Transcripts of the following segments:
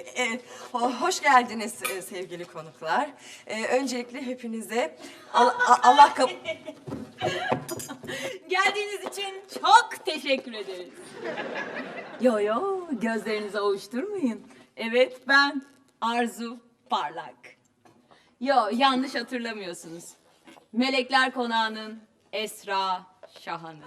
Hoş geldiniz sevgili konuklar. Öncelikle hepinize Allah Geldiğiniz için çok teşekkür ederiz. Yo, gözlerinizi ovuşturmayın. Evet, ben Arzu Parlak. Yo, yanlış hatırlamıyorsunuz. Melekler Konağı'nın Esra Şahan'ı.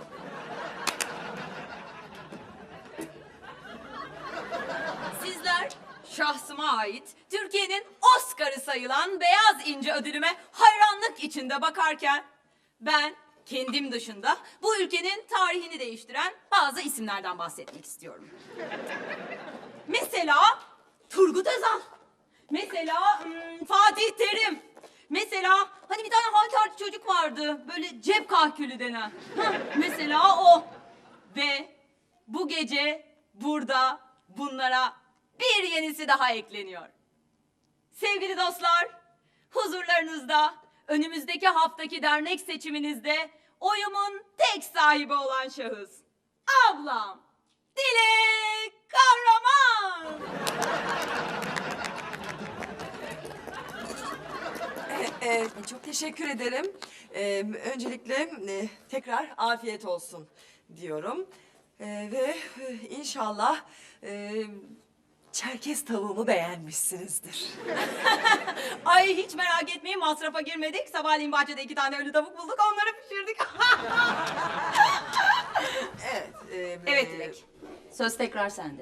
Sizler şahsıma ait Türkiye'nin Oscar'ı sayılan Beyaz İnci ödülüme hayranlık içinde bakarken ben kendim dışında bu ülkenin tarihini değiştiren bazı isimlerden bahsetmek istiyorum. Mesela Turgut Özal. Mesela Fatih Terim. Mesela hani bir tane halterci çocuk vardı. Böyle cep kahkülü denen. Mesela o. Ve bu gece burada bunlara bir yenisi daha ekleniyor. Sevgili dostlar, huzurlarınızda önümüzdeki haftaki dernek seçiminizde oyumun tek sahibi olan şahıs. Ablam, Dilek Kahraman. çok teşekkür ederim. Öncelikle tekrar afiyet olsun diyorum. Ve inşallah Çerkez tavuğumu beğenmişsinizdir. Ay hiç merak etmeyin, masrafa girmedik. Sabahleyin bahçede 2 tane ölü tavuk bulduk, onları pişirdik. Evet. Evet Dilek, söz tekrar sende.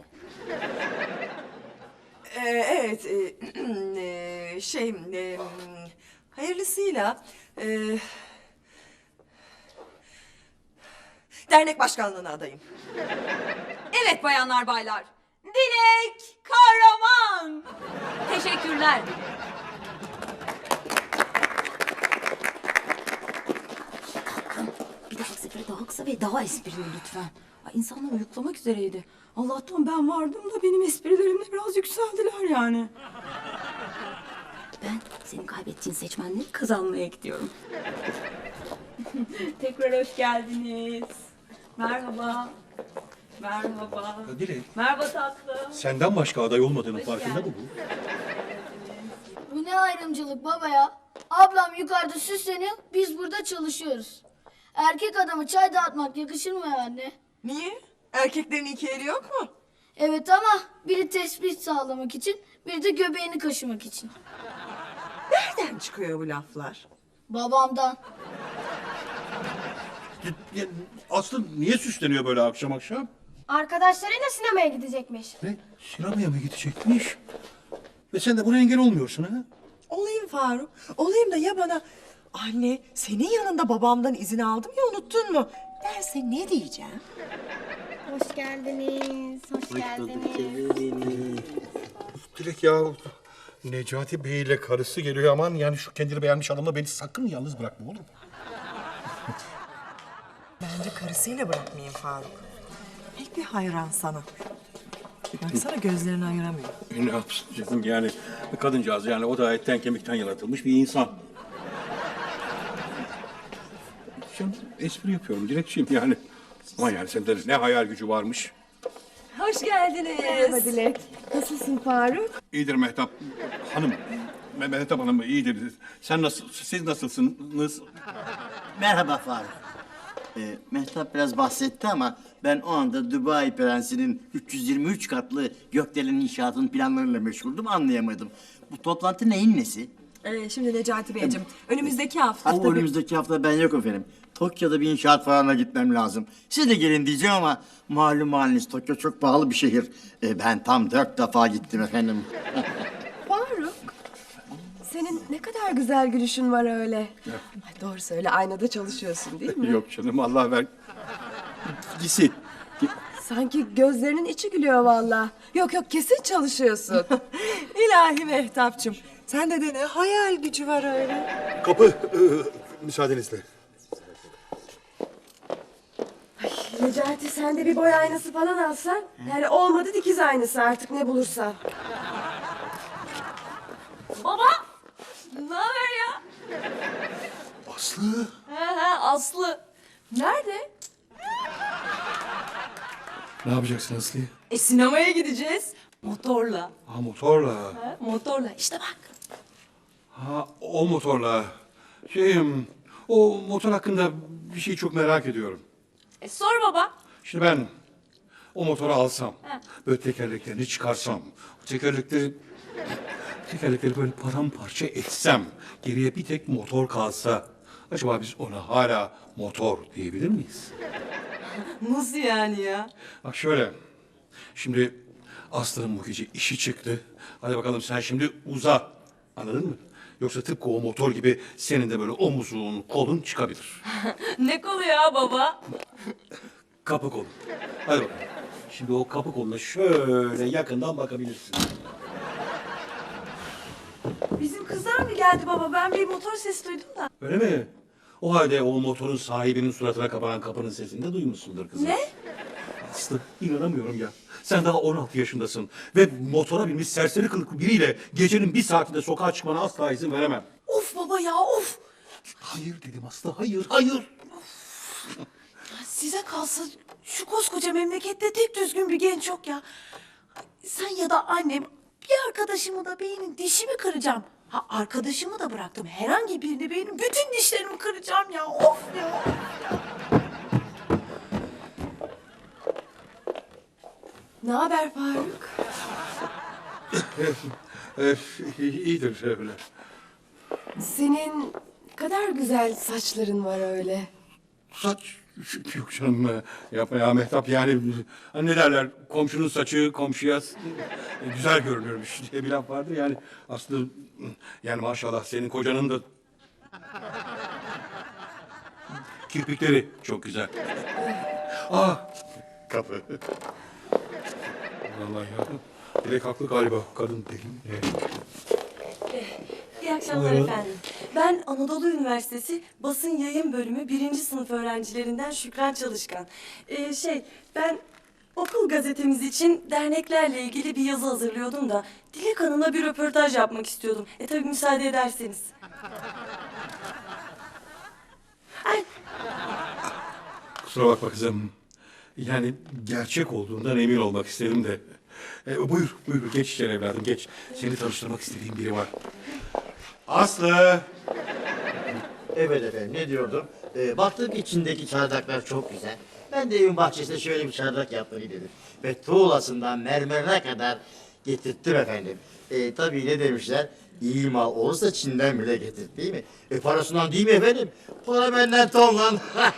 Evet. Hayırlısıyla dernek başkanlığına adayım. Evet bayanlar baylar, Dilek Kahraman. Teşekkürler Dilek. Bir dahaki sefere daha kısa ve daha esprili lütfen. Ay, insanlar uyuklamak üzereydi. Allah'tan ben vardım da benim esprilerimle biraz yükseldiler yani. Ben senin kaybettiğin seçmenleri kazanmaya gidiyorum. Tekrar hoş geldiniz. Merhaba. Merhaba. Dilek, Merhaba tatlım. senden başka aday olmadığının farkında mı bu? Bu ne ayrımcılık baba ya? Ablam yukarıda süsleniyor, biz burada çalışıyoruz. Erkek adamı çay dağıtmak yakışır mı ya anne? Niye? Erkeklerin iki eli yok mu? Evet ama biri tespih sağlamak için, biri de göbeğini kaşımak için. Nereden çıkıyor bu laflar? Babamdan. Aslı niye süsleniyor böyle akşam akşam? Arkadaşlarıyla sinemaya gidecekmiş. Ne? Sinemaya mı gidecekmiş? Ve sen de buna engel olmuyorsun ha? Olayım Faruk. Olayım da ya bana anne senin yanında babamdan izin aldım ya unuttun mu derse ne diyeceğim? Hoş geldiniz, hoş geldiniz. Dilek ya, Necati Bey ile karısı geliyor, aman yani şu kendini beğenmiş adamla beni sakın yalnız bırakma, olur mu? Bence karısıyla bırakmayayım Faruk. Pek bir hayran sana. Baksana gözlerini ayıramıyor. Ne yapsın canım yani, kadıncağız yani o da etten kemikten yaratılmış bir insan. Canım espri yapıyorum Dilekçiğim yani. Ama yani sende ne hayal gücü varmış. Hoş geldiniz. Merhaba Dilek. Nasılsın Faruk? İyidir Mehtap Hanım. Mehtap Hanım iyidir. Sen nasıl, siz nasılsınız? Merhaba Faruk. Mehtap biraz bahsetti ama ben o anda Dubai Prensi'nin 323 katlı gökdelen inşaatının planlarıyla meşguldüm, anlayamadım. Bu toplantı neyin nesi? Şimdi Necati Beyciğim, önümüzdeki hafta... O önümüzdeki hafta ben yok efendim. Tokyo'da bir inşaat fuarına gitmem lazım. Siz de gelin diyeceğim ama malum haliniz Tokyo çok pahalı bir şehir. Ben tam 4 defa gittim efendim. Faruk, senin ne kadar güzel gülüşün var öyle. Ay, doğru söyle, aynada çalışıyorsun değil mi? Yok canım, Allah ver. Gisi. Sanki gözlerinin içi gülüyor vallahi. Yok yok, kesin çalışıyorsun. İlahi Mehtapçığım, sende de ne hayal gücü var öyle. Kapı, müsaadenizle. Necati, sen de bir boy aynası falan alsan. Yani olmadı dikiz aynası, artık ne bulursan. Baba, ne haber ya? Aslı. He, Aslı. Nerede? Ne yapacaksın Aslı? Sinemaya gideceğiz. Motorla. Ha motorla. Ha, motorla. İşte bak. Ha o motorla. O motor hakkında bir şey çok merak ediyorum. Sor baba. Şimdi ben o motoru alsam, böyle tekerleklerini çıkarsam, o tekerlekleri böyle paramparça etsem, geriye bir tek motor kalsa, acaba biz ona hala motor diyebilir miyiz? Nasıl yani ya? Bak şöyle, şimdi Aslı'nın bu gece işi çıktı. Hadi bakalım sen şimdi uza, anladın mı? Yoksa tıpkı o motor gibi senin de böyle omuzun, kolun çıkabilir. Ne kolu ya baba? Kapı kolu. Hadi bakalım. Şimdi o kapı koluna şöyle yakından bakabilirsin. Bizim kızlar mı geldi baba? Ben bir motor sesi duydum da. Öyle mi? O halde o motorun sahibinin suratına kapanan kapının sesini de duymuşsundur kızım. Ne? Aslı inanamıyorum ya. Sen daha 16 yaşındasın ve motora binmiş serseri kılıklı biriyle gecenin bir saatinde sokağa çıkmana asla izin veremem. Of baba ya of. Hayır dedim Aslı, hayır. Size kalsa şu koskoca memlekette tek düzgün bir genç yok ya. Sen ya da annem bir arkadaşımı da beynin dişimi kıracağım. Ha arkadaşımı da bıraktım. Herhangi birini beynin bütün dişlerimi kıracağım ya. Of ya. Ne haber Faruk? İyidir öyle. Senin kadar güzel saçların var öyle. Saç yok canım, yapma ya Mehtap, yani hani ne derler, komşunun saçı komşuya güzel görünürmüş diye bir laf vardır yani. Aslında yani maşallah senin kocanın da kirpikleri çok güzel. Kapı. Vallahi ya, direkt haklı galiba kadın deli. İyi akşamlar efendim. Ben Anadolu Üniversitesi Basın Yayın Bölümü 1. sınıf öğrencilerinden Şükran Çalışkan. Ben okul gazetemiz için derneklerle ilgili bir yazı hazırlıyordum da Dilek Hanım'la bir röportaj yapmak istiyordum. Tabii müsaade ederseniz. Kusura bakma kızım. Yani gerçek olduğundan emin olmak istedim de. Buyur geç içeri evladım, geç. Seni tanıştırmak istediğim biri var. Aslı! Evet efendim, ne diyordum? Baktım içindeki çardaklar çok güzel. Ben de evin bahçesinde şöyle bir çardak yapmayı dedim. Ve tuğlasından mermerine kadar getirttim efendim. Tabii ne demişler? İyi mal olursa Çin'den bile getir, değil mi? Parasından değil mi efendim? Para benden tonla.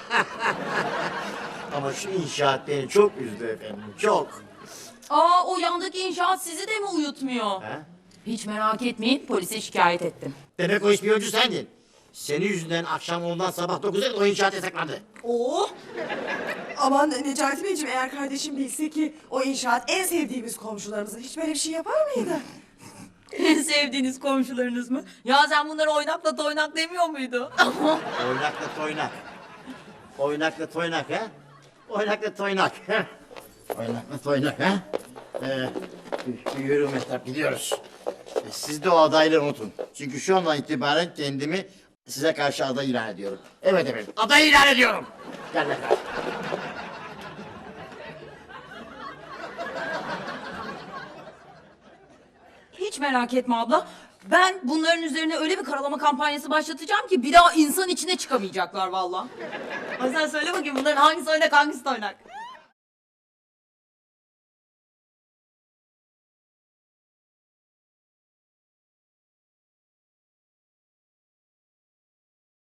Ama şu inşaat beni çok üzdü efendim, çok. O yandaki inşaat sizi de mi uyutmuyor? Ha? Hiç merak etmeyin, polise şikayet ettim. Demek o ispiyoncu sendin. Senin yüzünden akşam ondan sabah 9'da o inşaat yasaklandı. Aman Necati Beyciğim, eğer kardeşim bilse ki o inşaat en sevdiğimiz komşularımızın, hiç böyle bir şey yapar mıydı? En sevdiğiniz komşularınız mı? Ya sen bunları oynakla toynak demiyor muydu? Oynakla toynak. Oynakla toynak ha? Oynakla toynak. Oynakla toynak ha? Yürü Mehtap, gidiyoruz. Siz de o adayları unutun. Çünkü şu andan itibaren kendimi size karşı aday ilan ediyorum. Evet efendim, aday ilan ediyorum. Gel Mehtap. Hiç merak etme abla. Ben bunların üzerine öyle bir karalama kampanyası başlatacağım ki bir daha insan içine çıkamayacaklar vallahi. Ay sen söyle bakayım bunların hangisi oynak hangisi oynak?